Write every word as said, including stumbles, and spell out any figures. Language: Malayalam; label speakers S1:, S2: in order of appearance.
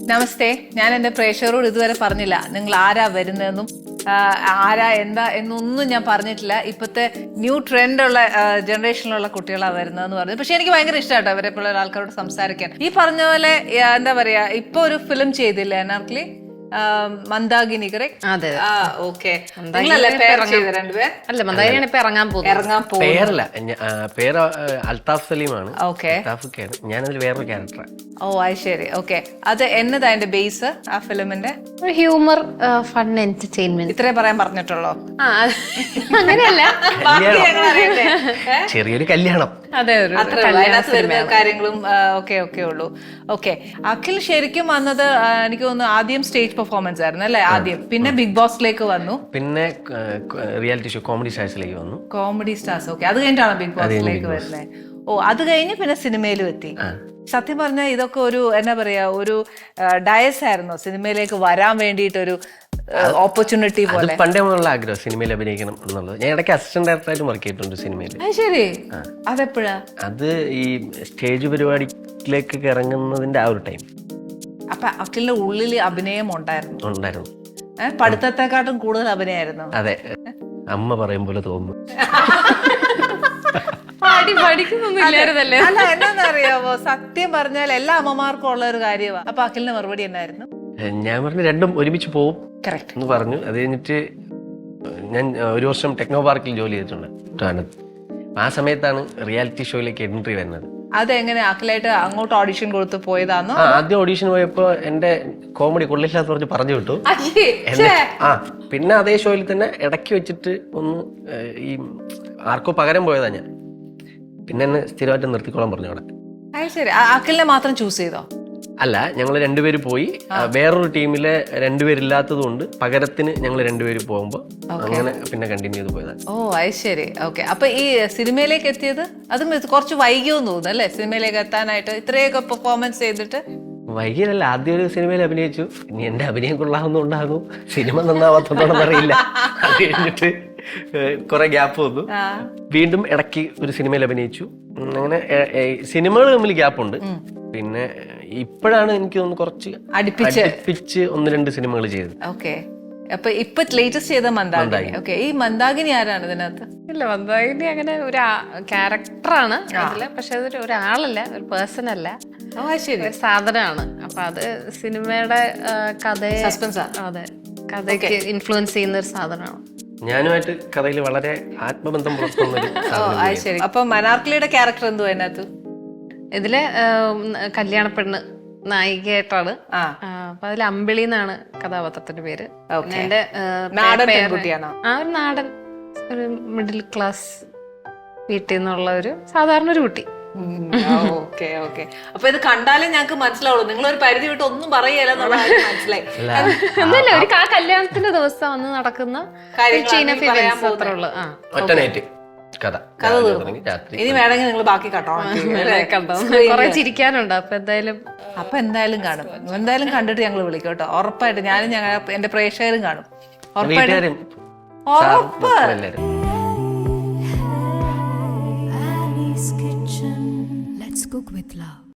S1: നമസ്തേ. ഞാൻ എൻ്റെ പ്രേക്ഷകരോട് ഇതുവരെ പറഞ്ഞില്ല നിങ്ങൾ ആരാ വരുന്നതെന്നും ആരാ എന്താ എന്നൊന്നും ഞാൻ പറഞ്ഞിട്ടില്ല. ഇപ്പോഴത്തെ ന്യൂ ട്രെൻഡുള്ള ജനറേഷനിലുള്ള കുട്ടികളാണ് വരുന്നതെന്ന് പറഞ്ഞു. പക്ഷെ എനിക്ക് ഭയങ്കര ഇഷ്ടമാട്ടോ അവരെ പോലുള്ള ആൾക്കാരോട് സംസാരിക്കാൻ. ഈ പറഞ്ഞ പോലെ എന്താ പറയാ, ഇപ്പൊ ഒരു ഫിലിം ചെയ്തില്ലേ അനാർക്കലി, മന്ദാകിനി, കറക്റ്റ്?
S2: അതെ.
S1: ഓക്കെ.
S2: അല്ല, മന്ദാകിനിയാണ് ഇപ്പൊ ഇറങ്ങാൻ പോകുന്നത്.
S1: ഇറങ്ങാൻ
S3: പേരല്ല, പേര് അൽത്താഫ് സലീമാണ്.
S1: ഓക്കെ.
S3: ഞാനതിൽ വേറൊരു ക്യാരക്ടറാണ്.
S1: ഓ അത് ശരി. ഓക്കെ. അത് എന്നതാ അതിന്റെ ബേസ് ആ ഫിലിമിന്റെ?
S2: Humour, fun, entertainment.
S1: ഇത്രേ പറയാൻ പറഞ്ഞിട്ടുള്ളോ?
S2: അങ്ങനെയല്ല,
S3: ചെറിയൊരു കല്യാണം.
S2: അതെ,
S1: കാര്യങ്ങളും ഒക്കെ ഒക്കെ ഉള്ളൂ. ഓക്കെ. അഖിൽ ശരിക്കും വന്നത് എനിക്ക് തോന്നുന്നു ആദ്യം സ്റ്റേജ് പെർഫോമൻസ് ആയിരുന്നു അല്ലേ ആദ്യം, പിന്നെ ബിഗ് ബോസിലേക്ക് വന്നു,
S3: പിന്നെ റിയാലിറ്റി ഷോ കോമഡി സ്റ്റാർസിലേക്ക് വന്നു.
S1: Comedy stars. ഓക്കെ. അത് കഴിഞ്ഞിട്ടാണ് ബിഗ് ബോസിലേക്ക് വരുന്നത്. ഓ, അത് കഴിഞ്ഞ് പിന്നെ സിനിമയിലും എത്തി. സത്യം പറഞ്ഞാൽ ഇതൊക്കെ ഒരു എന്താ പറയാ, ഒരു ഡയസ് ആയിരുന്നു സിനിമയിലേക്ക് വരാൻ വേണ്ടിയിട്ടൊരു ഓപ്പർച്യൂണിറ്റി പോലെ.
S3: പണ്ടേ മുതലുള്ള ആഗ്രഹം സിനിമയിൽ അഭിനയിക്കണം എന്നുള്ളത്. ഞാൻ ഇടയ്ക്ക് അസിസ്റ്റന്റ് ഡയറക്ടറായിട്ട് വർക്ക് ചെയ്തിട്ടുണ്ട് സിനിമയിൽ.
S1: ശരി. അതെപ്പോഴാ?
S3: അത് ഈ സ്റ്റേജ് പരിപാടിയിലേക്ക് ഇറങ്ങുന്നതിന്റെ ആ ഒരു ടൈം.
S1: അപ്പൊ അഖിലിന്റെ ഉള്ളിൽ അഭിനയം ഉണ്ടായിരുന്നു?
S3: ഉണ്ടായിരുന്നു.
S1: പഠിത്തത്തെക്കാട്ടും കൂടുതൽ അഭിനയായിരുന്നു.
S3: അതെ, അമ്മ പറയും പോലെ തോന്നുന്നു.
S1: അല്ല, എന്താന്നറിയാവോ, സത്യം പറഞ്ഞാൽ എല്ലാ അമ്മമാർക്കും ഉള്ള ഒരു കാര്യമാണ്. അപ്പൊ അഖിലിന്റെ മറുപടി എന്നായിരുന്നു?
S3: ഞാൻ പറഞ്ഞു രണ്ടും ഒരുമിച്ച് പോവും
S1: കറക്റ്റ്
S3: എന്ന് പറഞ്ഞു. അത് കഴിഞ്ഞിട്ട് ഞാൻ ഒരു വർഷം ടെക്നോ പാർക്കിൽ ജോലി ചെയ്തിട്ടുണ്ട്. ആ സമയത്താണ് റിയാലിറ്റി ഷോയിലേക്ക് എൻട്രി വരുന്നത്.
S1: അതെങ്ങനെ അഖിലായിട്ട് അങ്ങോട്ട് ഓഡിഷൻ കൊടുത്ത് പോയതാണോ?
S3: ആദ്യം ഓഡിഷൻ പോയപ്പോ എന്റെ കോമഡി കൊള്ളില്ലാത്ത പറഞ്ഞ് പറഞ്ഞു വിട്ടു. ആ പിന്നെ അതേ ഷോയിൽ തന്നെ ഇടയ്ക്ക് വെച്ചിട്ട് ഒന്ന് ഈ ആർക്കോ പകരം പോയതാ ഞാൻ. പിന്നെ എന്നെ സ്ഥിരമായിട്ട് നിർത്തിക്കോളാൻ പറഞ്ഞു അവിടെ.
S1: ശരി. അഖിലിനെ മാത്രം ചൂസ് ചെയ്തോ?
S3: അല്ല, ഞങ്ങൾ രണ്ടുപേര് പോയി. വേറൊരു ടീമിലെ രണ്ടുപേരില്ലാത്തത് കൊണ്ട് പകരത്തിന് ഞങ്ങൾ രണ്ടുപേര് പോകുമ്പോ അങ്ങനെ പിന്നെ കണ്ടിന്യൂ ചെയ്ത് പോയതാണ്.
S1: ഓ അത് ശരി. ഓക്കെ. അപ്പൊ ഈ സിനിമയിലേക്ക് എത്തിയത് അതും കുറച്ച് വൈകിയോന്ന് തോന്നുന്നു അല്ലേ സിനിമയിലേക്ക് എത്താനായിട്ട്, ഇത്രയൊക്കെ പെർഫോമൻസ് ചെയ്തിട്ട്?
S3: വൈകിയല്ല, ആദ്യം ഒരു സിനിമയിൽ അഭിനയിച്ചു. ഇനി എന്റെ അഭിനയം കൊള്ളാവുന്നുണ്ടാകും, സിനിമ നന്നാവാത്തോണ്ടെന്ന് അറിയില്ല. അത് കഴിഞ്ഞിട്ട് കുറെ ഗ്യാപ്പ് വന്നു. വീണ്ടും ഇടയ്ക്ക് ഒരു സിനിമയിൽ അഭിനയിച്ചു. അങ്ങനെ സിനിമകൾ തമ്മിൽ ഗ്യാപ്പുണ്ട്. പിന്നെ ഇപ്പോഴാണ് എനിക്ക് തോന്നുന്നു കുറച്ച് അടുപ്പിച്ച് ഒന്ന് രണ്ട് സിനിമകൾ ചെയ്തത്.
S1: ഓക്കെ. അപ്പൊ ഇപ്പൊ ലേറ്റസ്റ്റ് ചെയ്ത മന്ദാകിനി. ഓക്കെ. ഈ മന്ദാകിനി ആരാണ് ഇതിനകത്ത്?
S2: ഇല്ല, മന്ദാകിനി അങ്ങനെ ഒരു ക്യാരക്ടറാണ് അതില്. പക്ഷെ അതൊരു ഒരാളല്ല, ഒരു പേഴ്സൺ അല്ല, ഒരു സാധനമാണ്. അപ്പൊ അത് സിനിമയുടെ കഥയെ സസ്പെൻസ്, അതെ, കഥയ്ക്ക് ഇൻഫ്ലുവൻസ് ചെയ്യുന്ന ഒരു സാധനമാണ്.
S3: ഞാനുമായിട്ട് കഥയിൽ വളരെ ആത്മബന്ധം പുലർത്തുന്ന.
S1: അപ്പൊ മനാർക്കലിയുടെ ക്യാരക്ടർ എന്തുവാ അതിനകത്ത്?
S2: ഇതില് കല്യാണ പെണ്ണ് നായികയായിട്ടാണ്. അപ്പൊ അതിൽ അമ്പിളി എന്നാണ് കഥാപാത്രത്തിന്റെ പേര്. എന്റെ ആ ഒരു നാടൻ ഒരു മിഡിൽ ക്ലാസ് വീട്ടിൽ നിന്നുള്ള ഒരു സാധാരണ ഒരു കുട്ടി.
S1: Okay okay. അപ്പൊ ഇത് കണ്ടാലേ ഞങ്ങൾക്ക് മനസ്സിലാവുള്ളൂ, നിങ്ങൾ ഒരു പരിധി വിട്ട് ഒന്നും പറയല്ല. മനസ്സിലായി
S2: ഒന്നുമില്ല, ഒരു കല്യാണത്തിന്റെ ദിവസം വന്ന് നടക്കുന്ന
S3: കഥ.
S1: ഇനി വേണമെങ്കിൽ നിങ്ങൾ ബാക്കി കണ്ടോ,
S2: കുറെ ചിരിക്കാനുണ്ട്. അപ്പൊ എന്തായാലും
S1: അപ്പൊ എന്തായാലും കാണും. എന്തായാലും കണ്ടിട്ട് ഞങ്ങൾ വിളിക്കും കേട്ടോ, ഉറപ്പായിട്ട്. ഞാനും ഞങ്ങൾ എന്റെ പ്രേക്ഷകരും കാണും ഉറപ്പായിട്ടും. ഉറപ്പ്.
S4: Let's cook with love.